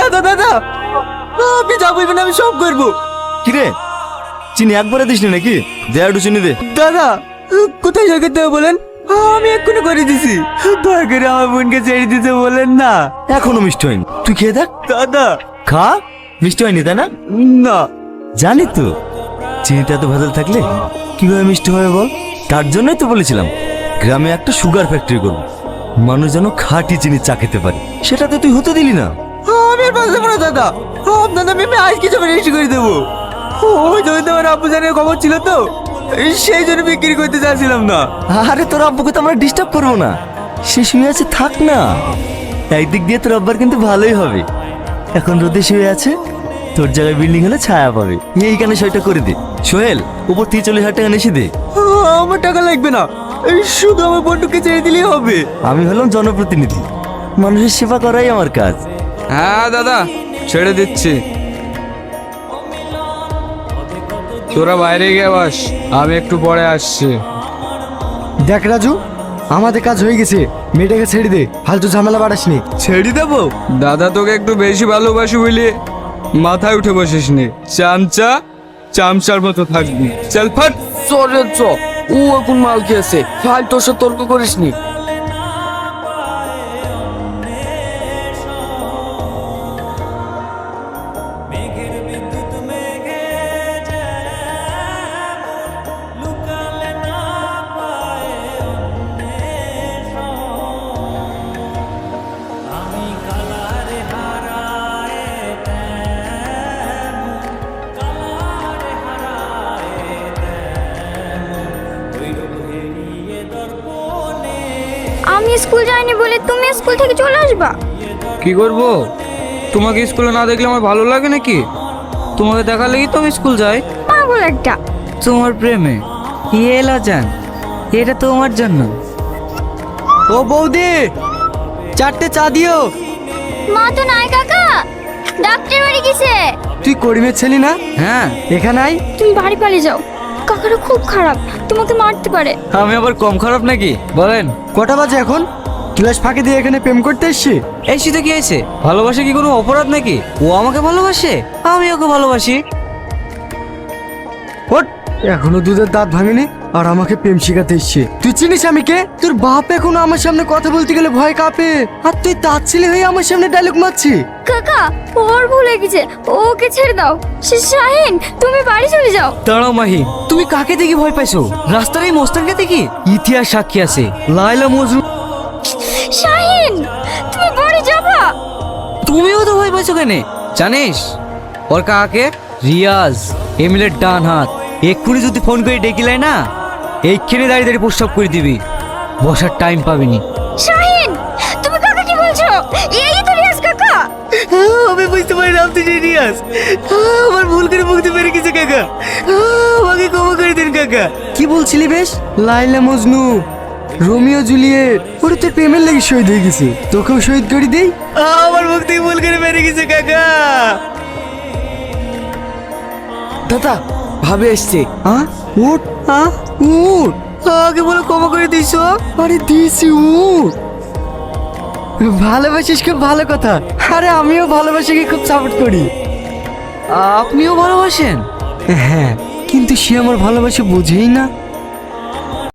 দাদা দাদা, আপনি যা বলবেন আমি সব করবো। কিরে চিনি একবারে দিস নি নাকি? দে একটু চিনি দে। দাদা কোথায় সরকার দেবো বলেন, আমি এক্ষুনি করে দিছি। দয়া করে আমার বোনকে ছেড়ে দিতে বলেন না। এখনো মিষ্টি হয়নি, তুই খেয়ে দেখ। দাদা খা, মিষ্টি হয়নি তাই না? না। জানি তো চিনিতে এত ভেজাল থাকলে কিভাবে মিষ্টি হবে বল। তার জন্যই তো বলেছিলাম গ্রামে একটা সুগার ফ্যাক্টরি করবো, মানুষ যেন খাঁটি চিনি চা খেতে পারে। সেটা তো তুই হতে দিলি না। আমি আর বাঁচতে পারবো না দাদা, আপনার নামে আমি আজ কিছু রেজিস্ট্রি করে দেবো। ওই জমিতে আমার আব্বু জানের খবর ছিল তো, সেই জন্য বিক্রি করতে চাচ্ছিলাম না। আরে তোর আব্বুকে তো আমরা ডিস্টার্ব করবো না, সে শুয়ে আছে থাক না। একদিক দিয়ে তোর আব্বার কিন্তু ভালোই হবে, এখন রোদে শুয়ে আছে, তোর জায়গায় বিল্ডিং হলে ছায়া পাবে। এইখানে সইটা করে দে সোহেল, উপর থেকে 40,000 টাকা নিয়ে দে। আমার টাকা লাগবে না, শুধু আমার বন্ধুকে ছেড়ে দিলেই হবে। আমি হলাম জনপ্রতিনিধি, মানুষের সেবা করাই আমার কাজ। হ্যাঁ দাদা ছেড়ে দিচ্ছি, তোরা বাইরে গিয়ে বাস, আমি একটু পরে আসছি। দেখ রাজু, আমাদের কাজ হয়ে গেছে, মেয়েটাকে ছেড়ে দে, ফালতু ঝামেলা বাড়াসনি। ছেড়ে দেবো? দাদা তোকে একটু বেশি ভালোবাসি বলে মাথায় উঠে বসিস নি, চামচা চামচার মতো থাকবি। চল ফাট। চলে চ, ও এখন মাল খেয়েছে, ফালতু সে তর্ক করিস নি। আমি স্কুল যাইনি বলে তুমি স্কুল থেকে চলে আসবা? কি করব, তোমাকে স্কুলে না দেখলে আমার ভালো লাগে নাকি? তোমাকে দেখা লেগে তো আমি স্কুল যাই। পাগল একটা। তোমার প্রেমে এলা জান, এটা তোমার জন্য। ও বৌদি, 4টে চা দিও। মা তো নাই কাকা, ডাক্তার বাড়ি গেছে। তুই করিমের ছেলে না? হ্যাঁ এখানে আয়। তুমি বাড়ি পালিয়ে যাও, কাকারা খুব খারাপ, তোমাকে মারতে পারে। আমি আবার কম খারাপ নাকি বলেন? কটা বাজে এখন? ক্লাস ফাঁকি দিয়ে এখানে প্রেম করতে এসছি? এই শীতে কি হয়েছে? ভালোবাসা কি কোনো অপরাধ নাকি? ও আমাকে ভালোবাসে, আমি ওকে ভালোবাসি। ওট, এখনো দুধের দাঁত ভাঙেনি আর আমাকে প্রেম শিখাতে এসছে। তুই চিনিস আমি কে? তোর বাপ এখনো আমার সামনে কথা বলতে গেলে ভয় কাঁপে, আর তুই তার ছেলে হয়ে আমার সামনে ডায়লগ মারছি। কাকা ওর ভুল হয়ে গেছে, ওকে ছেড়ে দাও। শাহিন তুমি বাড়ি চলে যাও। দাঁড়াও মাহি, তুমি কাকে দেখি ভয় পাইছো? রাস্তার এই মস্তানকে দেখি? ইতিহাস সাক্ষী আছে, লায়লা মজনু। শাহিন তুমি বাড়ি যাবা? তুমিও তো ভয় পাইছো কেন জানিস? ওর কাকে? রিয়াজ, এমিলের ডান হাত। এক্ষুনি যদি ফোন করে ডেকিলাই না, এইখানে দাঁড়িয়ে দাঁড়িয়ে প্রস্তাব করে দিবি, বসার টাইম পাবিনি। শাহিন তুমি কাকা কি বলছো? এই তো রিয়াজ কাকা। আমি বুঝতে পারি না আপনি সিরিয়াস, আমার ভুল করে মুক্তি পেরে গেছে কাকা, আমাকে ক্ষমা করে দিন কাকা। কি বলছিলি বেশ? লাইলা মজনু, রোমিও জুলিয়েট, ওরা তোর প্রেমের লাগি শহীদ হয়ে গেছে, তোকেও শহীদ করে দেই। আমার মুখ থেকে ভুল করে বেরিয়ে গেছে কাকা। দাদা ভাবে এসছে। হ্যাঁ উঠ, হ্যাঁ উঠ। আগে বলে ক্ষমা করে দিছো। আরে দিয়েছি, উঠ। ভালোবাসিস খুব ভালো কথা, আরে আমিও ভালোবাসাকে খুব সাপোর্ট করি। আপনিও ভালোবাসেন? হ্যাঁ, কিন্তু সে আমার ভালোবাসা বোঝেই না।